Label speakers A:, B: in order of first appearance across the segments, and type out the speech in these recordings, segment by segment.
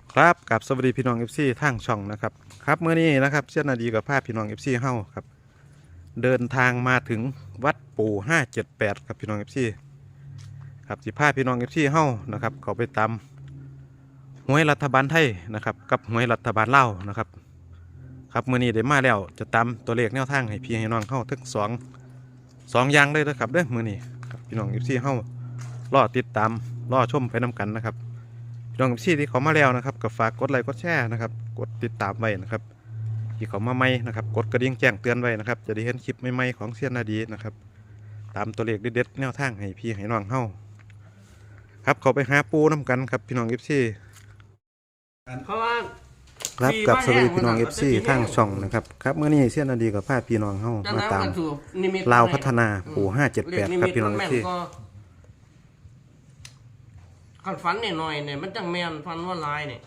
A: ครับกับสวัสดีพี่น้องเอฟซีทางช่องนะครับครับเมื่อนี้นะครับเช่นนาดีกับภาพพี่น้องเอฟซีเฮาครับเดินทางมาถึงวัดปู่578ครับพี่น้องเอฟซีครับสิพาพี่น้องเอฟซีเฮานะครับเขาไปตามหวยรัฐบาลไทยนะครับกับหวยรัฐบาลลาวนะครับครับเมื่อนี้ได้มาแล้วจะตามตัวเลขแนวทางให้พี่ให้น้องเฮาทั้งสองอย่างเลยนะครับเด้อมื่อนี้ครับพี่น้องเอฟซีเฮารอติดตามรอชมไปน้กันนะครับพี่น้องที่เขามาแล้วนะครับก็ฝากกดไลค์กดแชร์นะครับกดติดตามไว้นะครับที่เขามาใหม่นะครับกดกระดิ่งแจ้งเตือนไว้นะครับจะได้เห็นคลิปใหม่ๆของเซียนนาดีนะครับตามตัวเลขเด็ดๆแนวทางให้พี่ให้น้องเฮาครับเขาไปหาปูน้ำกันครับพี่น้องFC
B: เพราะว่า
A: ครับกับสวัสดีพี่น้องFC ทางช่องนะครับครับเมื่อนี้เซียนนาดีกับพาพี่น้องเฮามาตามลาวพัฒนาปู่578ครับพี่น้องFC
B: ขันฝันหน่อยเนี่ยมันจังแมนฟันว่าลายเนี่ย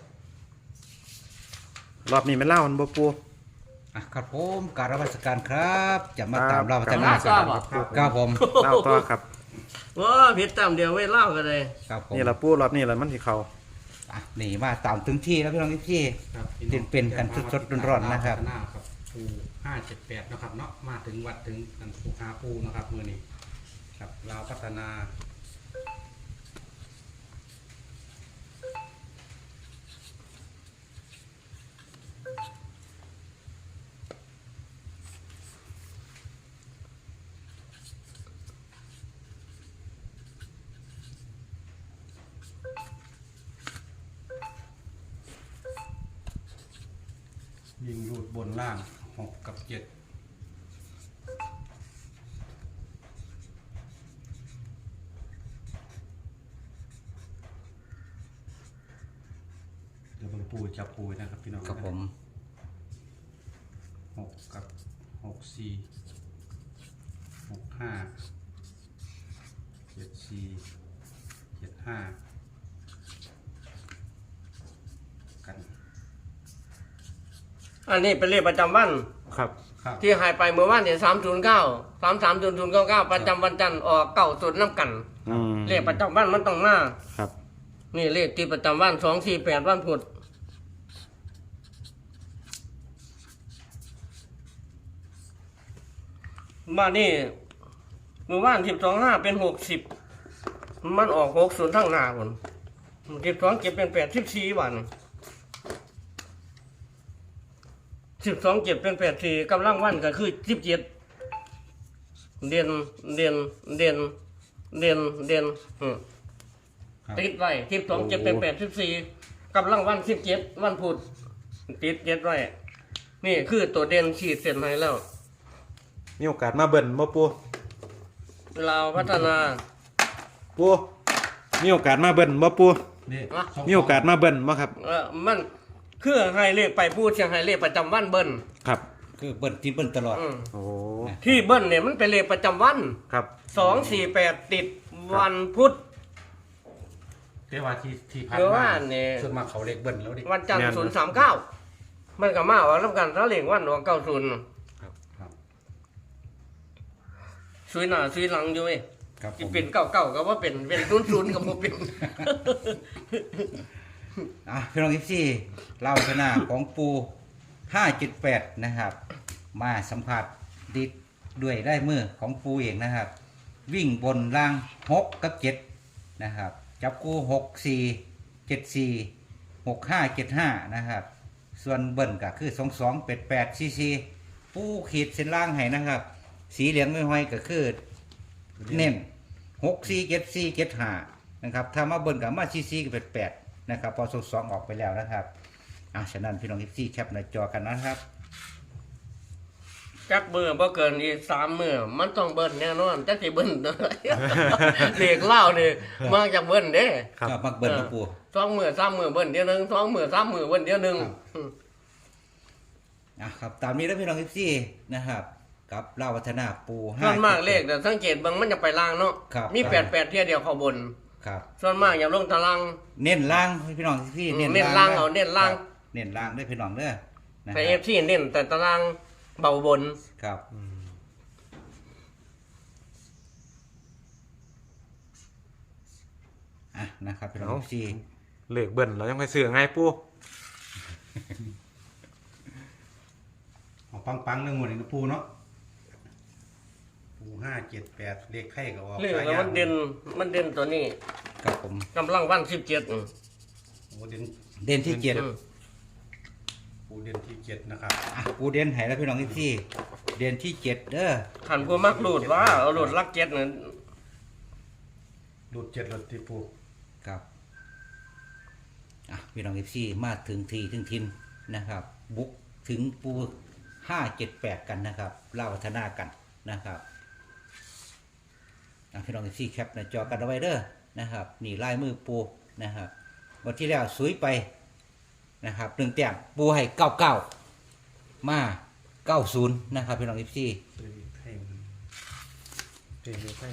A: รอบนี้ไม่เล่ามันบ่ปู
C: ครับผมการรับราชการครับจะมาตามเราพัฒนา
B: ครับ
C: ผม
A: เล่าต่อครับ
B: ว้าผิดตามเดียวไว้เล่ากันเลย
C: ครับผม
A: นี่ละปูรอบนี้ละมันที่เขา
C: นี่มาตามถึงที่แล้วพี่น้องที่เป็นกันสดๆร้อนๆนะครับ
D: ปู578นะครับเนาะมาถึงวัดถึงกันปูหาปูนะครับมือนี้ครับลาวพัฒนายิงรูดบนล่าง6 กับ 7เดี๋ยวเบิ่งปูจับปูนะครับพี่น้อง
C: ครับผม
D: 6 กับ 64 65 74 75กัน
B: อันนี้เป็นเลขประจำวัน
A: ครับ
D: ครับ
B: ที่หายไปเมื่อวานเนี่ย309 ประจำวันจันทร์ออก90น้ำกัน เลขประจำวันมันต้องมา
A: ครับ
B: นี่เลขที่ประจำวัน248วันพุธบ้านนี่เมื่อวาน12.5เป็น60มันออก60ทั้งหน้าคน12เก็บเป็น84วัน12เก็บเป็น84กำลังวันก็คือ17เด่นติดไว้12เก็บเป็น84กำลังวัน17วันพุธติด7ไว้นี่คือตัวเด่นขีดเส้นให้แล้ว
A: มีโอกาสมาเบิ่นบ่ปู
B: เราพัฒนา
A: ปูมีโอกาสมาเบิ่นบ่ปู
D: นี่
A: มีโอกาสมาเบิ่นบ่ครับ
B: มันคือให้เลขไปพูดเชียงให้เลขประจำวันเบิ้ล
A: ครับ
C: คือเบิ้ลที่เบิ้ลตลอด
A: โอ้
B: ที่เบิ้ลเนี่ยมันเป็นเลขประจำวัน
A: ครับ
B: 248ติดวันพุธ
D: เรียกว่าที่พัน
B: เดี๋ยว
D: มา
B: ว่าเนี่ย
D: ส่วนมากเขาเล็กเบิ้ลแล้วดิ
B: วันจันทร์039มันก็มาว่ารับกันถ้าเลขวันว่า90
D: ครับครับ
B: ซุยหน้าซุยหลังอยู่เว้ย
C: ครับผ
B: ที่
C: ม
B: เป็น99ก็ว่าเป็น00ก็บ่เป็น
C: พี่น้องที่เราพัฒนาของปู578นะครับ มาสัมผัสดิดด้วยได้มือของปูเองนะครับ วิ่งบนล่าง6 กับ 7นะครับจับคู่64 74 65 75นะครับ ส่วนเบิ้ลก็คือ22 88 44ปูขีดเส้นล่างให้นะครับ สีเหลืองไม่ห้อยก็คือเน้น64 74 75นะครับถ้ามาเบิ้ลกับมา44กับ88นะครับพอ22ออกไปแล้วนะครับฉะนั้นพี่น้องที่แคปหน้าจอกันนะครับ
B: จักเบื่อบ่เกินอีก3มื้อมันต้องเบิ้ลแน่นอนจักสิเบิ้ล เลขเล่านี่มาจากเบิ้ลเด้
A: ครับ
C: ก็มักเบิ้ลนะปู
B: 2มื้อ3มื้อเบิ้ลเดียวหนึง2มื้อ3มื้อเบิ้ลเดียวหนึง
C: ครับตามนี้แล้วพี่น้องที่นะครับกับเล่าวัฒนาปู5
B: ส่วนมากเลขแต่สังเกตเบิ่งมันจะไปล่างเนาะ
C: ครับ
B: มี88เที่ยเดียวเข้าบน
C: ครับ
B: ส่วนมากอย่าลงตาราง
C: เน้นล่างให้พี่น้องที่
B: เน้นล่างเอาเน้นล่าง
C: เน้นล่างด้วยพี่น้องเด้อนะค
B: แต่
C: รับ
B: FC เน้นแต่ตารางเบาบน
C: ครับนะครับพี่น้องที่
A: เลขเบิ้ลเรายังไปซื้อไงปู
D: เอาปังๆเรื่องหมดเลยนะปูเนาะปู578เลขไข่ก็ออก
B: เรื่องแล้วมันเด่นตัวนี้
C: ครับผม
B: กำลังวัน17
D: โอ้เด่น
C: เด่นที่เจ็ด
D: ปูเด่นที่7นะครับ
C: อ่ะปูเด่นให้แล้วพี่น้องที่เด่นที่เจ็ดเด้อ
B: ขันผู้มักหลุดว่าเอาหลุดลัก7นั่น
D: ดูด7รถที่ปู
C: ครับอ่ะพี่น้องที่มาถึงทีถึงทินนะครับ บุกถึงปู578กันนะครับเล่าพัฒนากันนะครับอ่ะพี่น้องที่แคปหน้าจอกันเอาไว้เด้อนะครับนี่ลายมือปูนะครับวันที่แล้วสุยไปนะครับ1 แต้มปูให้99มา90นะครับพี่น้องที่
D: ซื้อไข่เต็มเลยไข่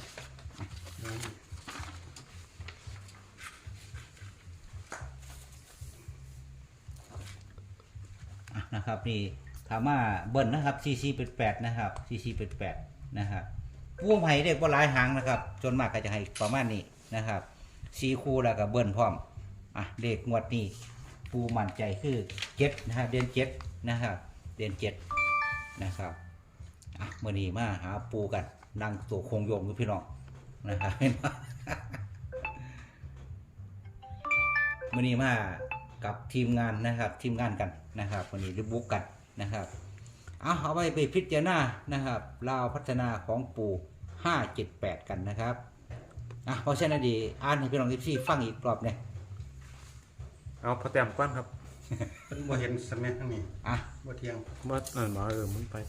C: นะครับนี่ถามว่าเบิ้ลนะครับCCเป็น8นะครับCCเป็น8นะครับปูไผ่เด็กว่าหลายหางนะครับจนมากก็จะให้ประมาณนี้นะครับ4คู่แล้วก็เบิ้ลพร้อมอ่ะเลขงวดนี้ปูมั่นใจคือ7นะฮะเดือน7นะครับเดือน7นะครับอ่ะมื้อนี้มาหาปูกันนั่งตัวโคงโยงกับพี่น้องนะครับ มื้อนี้มากับทีมงานนะครับทีมงานกันนะครับวันนี้ได้บุกกันนะครับเอาไปพิจารณานะครับลาวพัฒนาของปู่578กันนะครับเพราะฉะนั้นดีอ่านให้พี่น้องที่ฟังอีกรอบเนี่ย
A: เอาพอแต้มก้อนครับ
D: เพิ่นบ่เห็นสมัยทั้งนี้
C: อ่ะ
D: บ่เที่ยง
A: เมื่อหมอมันไป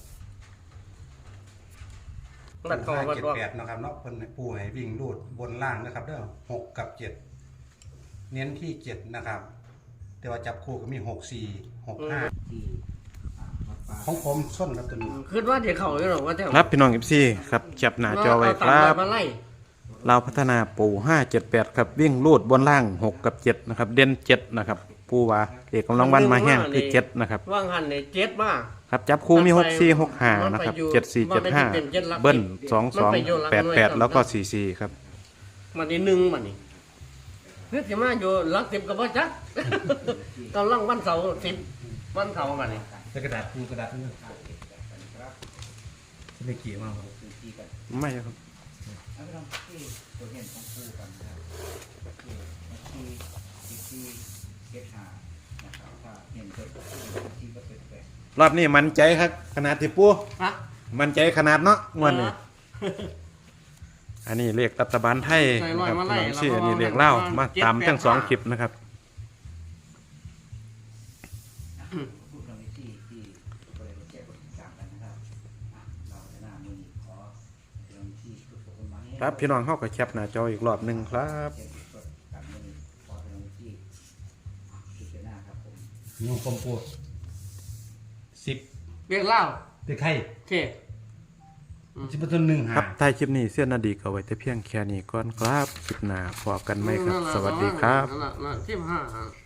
B: นัดก่อนวัดว่า
D: 578นะครับเนาะเพิ่นให้ปูให้วิ่งรูดบนล่างนะครับเด้อ6กับ7เน้นที่7นะครับแต่ว่าจับคู่ก็มี6 4 6 5
C: ที่วัดป่า
D: ของผมส้นครับตัวนี้
B: คิดว่าเดี๋ยวเขาอยู่หรอกว่าแต่
A: ครับพี่น้องFC ครับจับหน้าจอไว้ครับ
B: มาไล่
A: เราวพัฒนาปู578ครับวิ่งลูดบนล่าง6กับ7นะครับเด่น7นะครับปูว่าเอกกำลังวันมาแห้งคือ7นะครับ
B: ว่างหันใน7มา
A: ครับจับคู่มี6 4 6 5นะครับ7 4 7 5เบิ้ล2 2 8 8แล้วก็4 4ครับ
B: มันนี่1มันนี่นึกสิมาอยู่หลัก10ก็บ่จัก กำลังวันเสาร์10วันเสาร์มันนี่
D: กระดาษปูกระดาษนี่ไม่กี่มากครับ
A: ไม่ครับ
C: เอาไปลองที่ตัวเห็นของปูกันนะครับที่นะครับถ้าเห็นตัวที่ก็เป็นแปลก
A: รอบนี้มันใจครับขนาดที่ปู
B: ฮะ
A: มันใจขนาดเนาะงวดนี้อันนี้เลขรัฐบาลไทยนะครับพี่น้องชื่ออันนี้เลขเล่าวมาตามทั้ง2คลิปนะครับ
C: พูดตรงนี้ที่บริเวณแจ้งบทสามกันนะครับเราจะน่ามือขอตรงที่ทุกคนมาให้
A: ครับพี่น้องเข้ากับแคปหน้าจออีกรอบหนึ่งครับ
C: แจ้งสดกันมือขอตรงที่พิจารณาครับผม
D: นี่ของผมปู10
B: เรียกเล่า
D: แต่ไข่
B: โอเค
D: 10ต้น1
A: ครับท้ายคลิปนี้เสี้ยนนาดีก็ไว้แต่เพียงแค่นี้ก่อนครับคลิปหน้าพบกันไหมครับ สวัสดีครับ
B: นั่นแหละ15